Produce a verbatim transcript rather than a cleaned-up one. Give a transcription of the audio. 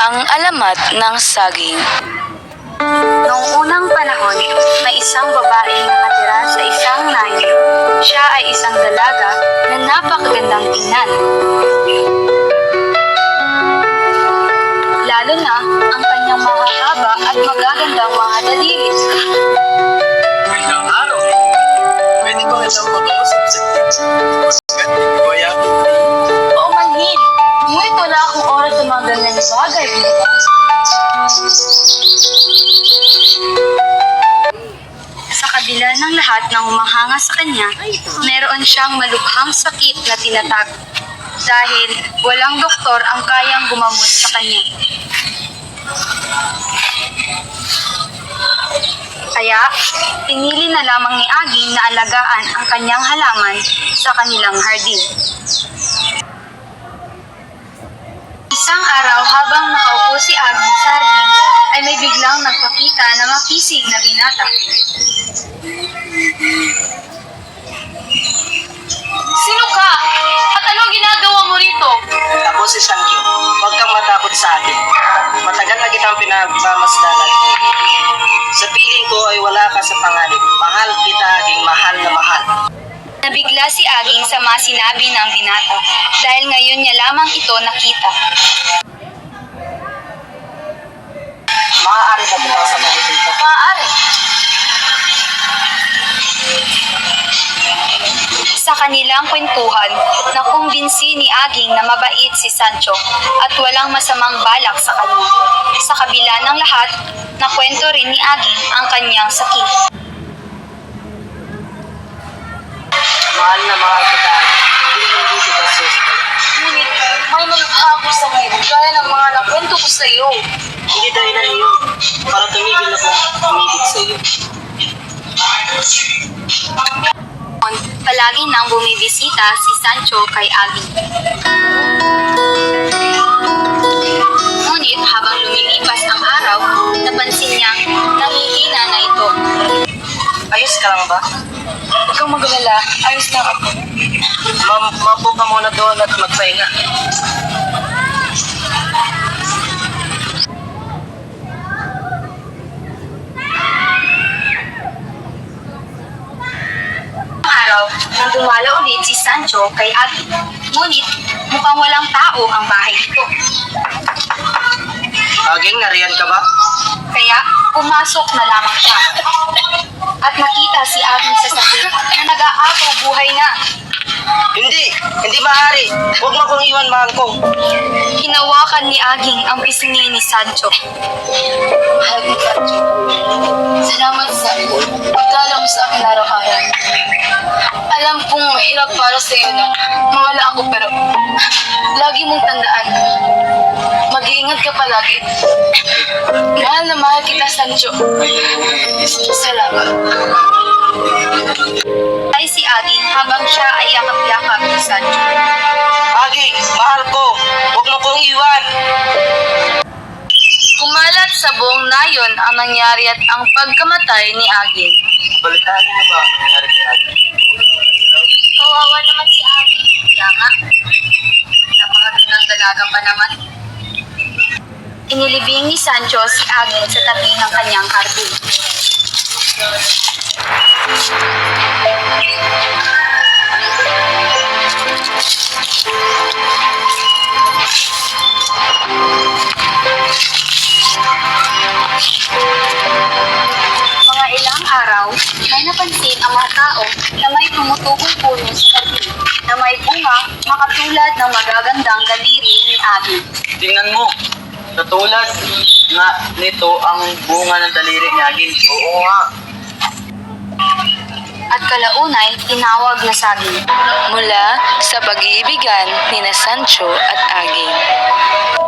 Ang alamat ng saging. Noong unang panahon, may isang babaeng nakatira sa isang nayon. Siya ay isang dalaga na napakagandang tingnan. Lalo na ang kanyang mahahaba at magagandang mga daliri. Magandang araw. Pwede ko na siyang mag-uusap sa Kuya. Oo manhin, ngunit wala akong oras sa mga ganyang bagay. Sa kabila ng lahat ng humahanga sa kanya, meron siyang malubhang sakit na tinatago. Dahil walang doktor ang kayang gumamot sa kanya. Kaya, pinili na lamang ni Aging na alagaan ang kanyang halaman sa kanilang hardin. Isang araw habang nakaupo si Aging sa hardin, ay may biglang nagpakita na makisig na binata. Sino ka? At anong ginagawa mo rito? Ako si Sancho. Huwag kang matakot sa akin. Matagal na kitang pinagmamasdan at iniibig. Sa piling ko ay wala ka sa panganib. Mahal kita, Aging mahal na mahal. Nabigla si Aging sa mga sinabi ng binata dahil ngayon niya lamang ito nakita. Maaari ba bukas sa mga dito? Maaari. Sa kanilang kwentuhan, nakumbinsi ni Aging na mabait si Sancho at walang masamang balak sa kanya. Sa kabila ng lahat, nakwento rin ni Aging ang kanyang sakit. Mahal na mahal kita. Hindi hindi kita susunod. Ngunit may malubha ako sa ngayon gaya ng mga nakwento ko sa iyo. Hindi dahilan yun. Para tumigil na kong umibig sa iyo. Palagi nang bumibisita si Sancho kay Aging. Ngunit habang lumilipas ang araw, napansin niyang nangihina na ito. Ayos ka lang ba? Huwag kang magalala, ayos lang ako. Ma Mapo ka muna doon at magpahinga. Araw, nang dumala ulit si Sancho kay Aging. Ngunit, mukhang walang tao ang bahay nito. Aging, nariyan ka ba? Kaya, pumasok na lamang siya. At nakita si Aging sa sakit na nag-aagaw buhay na. Hindi! Hindi maaari! Huwag mo akong iwan, mahal ko! Hinawakan ni Aging ang pisngi ni Sancho. Mahal ni Sancho, salamat sa pagdala mo sa akin araw-araw. Alam kong mahirap para sa iyo na mawala ako pero lagi mong tandaan. Mag-iingat ka palagi. Mahal na mahal kita, Sancho. Salamat. Ay si Aging habang siya ay yakap-yakap ni Sancho. Aging, mahal ko! Huwag mo kong iwan! Kumalat sa buong nayon ang nangyari at ang pagkamatay ni Aging. Balitaan mo ba ang nangyari kay Aging? Kawawa naman si Aging. Kaya nga, napakagandang dalaga pa naman. Inilibing ni Sancho si Aging sa tabi ng kanyang hardin. Mga ilang araw, may napansin ang mga tao na may tumutugong puno sa hardin na may bunga makatulad ng magagandang daliri ni Aging. Tingnan mo! Katulad nga nito ang bunga ng daliri ni Aging. Oo nga! At kalaunay, tinawag na saging. Mula sa pag-iibigan ni na Sancho at Aging.